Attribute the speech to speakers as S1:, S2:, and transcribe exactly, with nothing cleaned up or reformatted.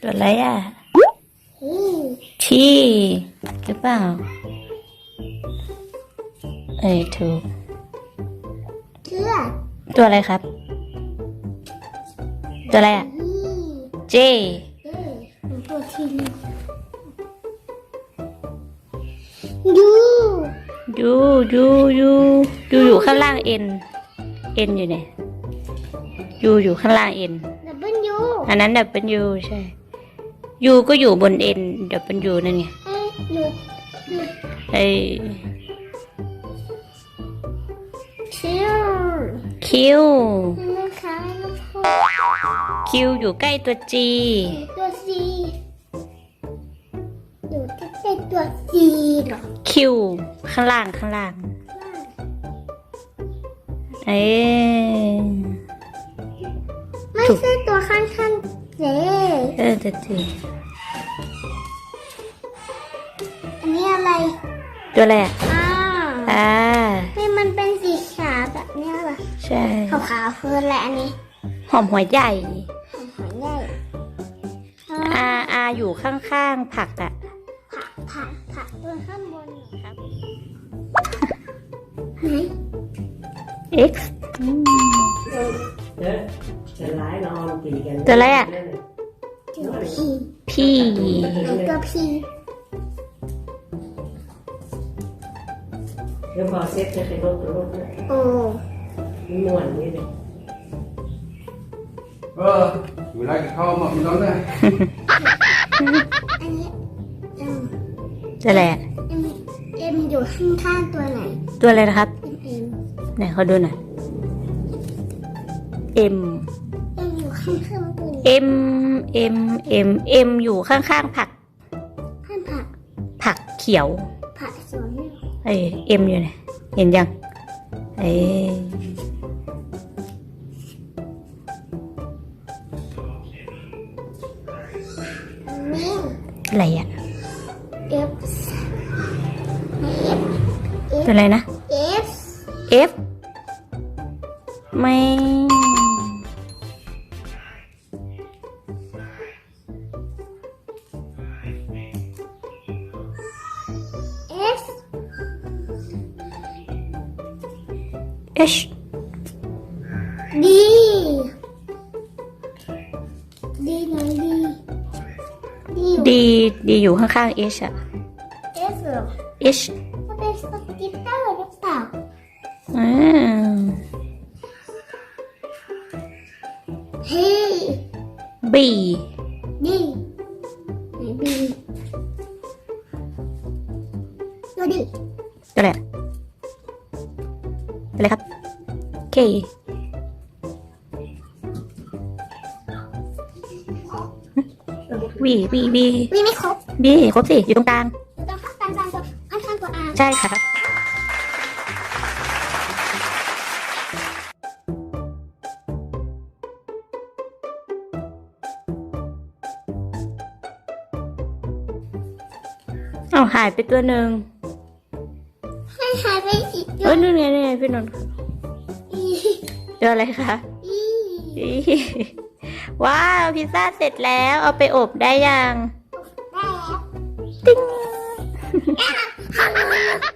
S1: ตัวอะไรอ่ะ
S2: อืม
S1: ที่หรือเปล่าเอ้ยถูก
S2: เชื่อ
S1: ตัวอะไรครับ ตัวอะไรอ่ะ
S2: อืม
S1: เจ
S2: เอ๊ะหนูตัวทีนึงยู
S1: ยูยูยูยูอยู่ข้างล่างเอ็นเอ็นอยู่เนี่ยยูอยู่ข้างล่างเอ็น
S2: ดับเบิลยู
S1: อันนั้นดับเป็นยูใช่ยูก็อยู่บนเอ็นดับเป็นยูนั่นไง
S2: เอ้ยหนูหนู
S1: ไอ
S2: เชื่อ
S1: คิว
S2: นะคะลูกพ่อ
S1: คิวอยู่ใกล้ตัวจี
S2: ตัวซีอยู่ใกล้ๆตัวซีเหรอ
S1: คิวข้างล่างข้างล่างเอ้ย
S2: ไม่ใช่ตัวข้างๆเจ๊
S1: เออตัวจี
S2: อันนี้อะไร
S1: ตัวอะไรอ่ะ
S2: อ้าว
S1: อ่า
S2: นี่มันเป็นสีขาวแบบเนี้ยเหรอ
S1: ใช่
S2: ขาวๆคืออะไรอันนี้
S1: หอมหัวใหญ่
S2: หอยใหญ่อ๋อ
S1: อาอาอยู่ข้างๆผักอ่ะ
S2: ผักผักผักตัวข้างบนเหรอ
S1: ครับ
S2: ไหน
S1: x
S3: เดี๋ยวจะร้ายนอนตีกัน
S1: ตัวอะไรอะ
S2: ตัวพี
S1: พี่
S2: ไหนตัวพี
S3: เดี๋ยวพอเซ็ตจะเป็นรถรถ
S2: โอ้
S3: มีม่วนนี่เลย
S4: เออเวลากินข้าวมาพี่น้องนะ
S2: อันนี้เอ็ม
S1: ตัวอะไรอะ
S2: เอ็มเอ็มอยู่ข้างๆตัวไหน
S1: ตัวอะไรนะครับ
S2: เอ็มเอ็ม
S1: ไหนเขาดูหน่อย M
S2: เอ็มอยู่ข้างๆตัวไหน
S1: M M M M อยู่ข้างๆผัก
S2: ข้างผัก
S1: ผักเขียว
S2: ผักสวนเนี่ย
S1: เอ้ย M อยู่ไหนเห็นยังเอ้ย
S2: นี่
S1: อะไรอะ
S2: เอฟเอฟ
S1: ตัวอะไรนะ
S2: เอฟ
S1: F ไม่
S2: เอฟ
S1: H
S2: ดีดีไหนดีดี
S1: D D อยู่ข้างๆ H อะ
S2: เอฟเหรอ
S1: H
S2: มันเป็นสกิตเตอร์หรือเปล่า
S1: อ่า
S2: เฮ้ย
S1: B
S2: ดีไหนดีตัวดี
S1: ตัวอะไรอะตัวอะไรครับ K V V V
S2: วีไม่ครบ
S1: B ครบสิ อยู่ตรงกลาง
S2: อยู่ตรงข้างกลางๆตัวข้างข้างตัวอา
S1: ใช่ครับ เอาหายไปตัวหนึ่ง
S2: ให้หายไปอีกตั
S1: เอ้
S2: วย
S1: นู่นไงนี่นไงพี่นนท์
S2: อี
S1: ตัวอะไรคะ
S2: อี
S1: อีว้าว พิซซ่าเสร็จแล้ว เอาไปอบได้ยัง
S2: ได้แล้ว
S1: ติ๊ง
S2: ข้าง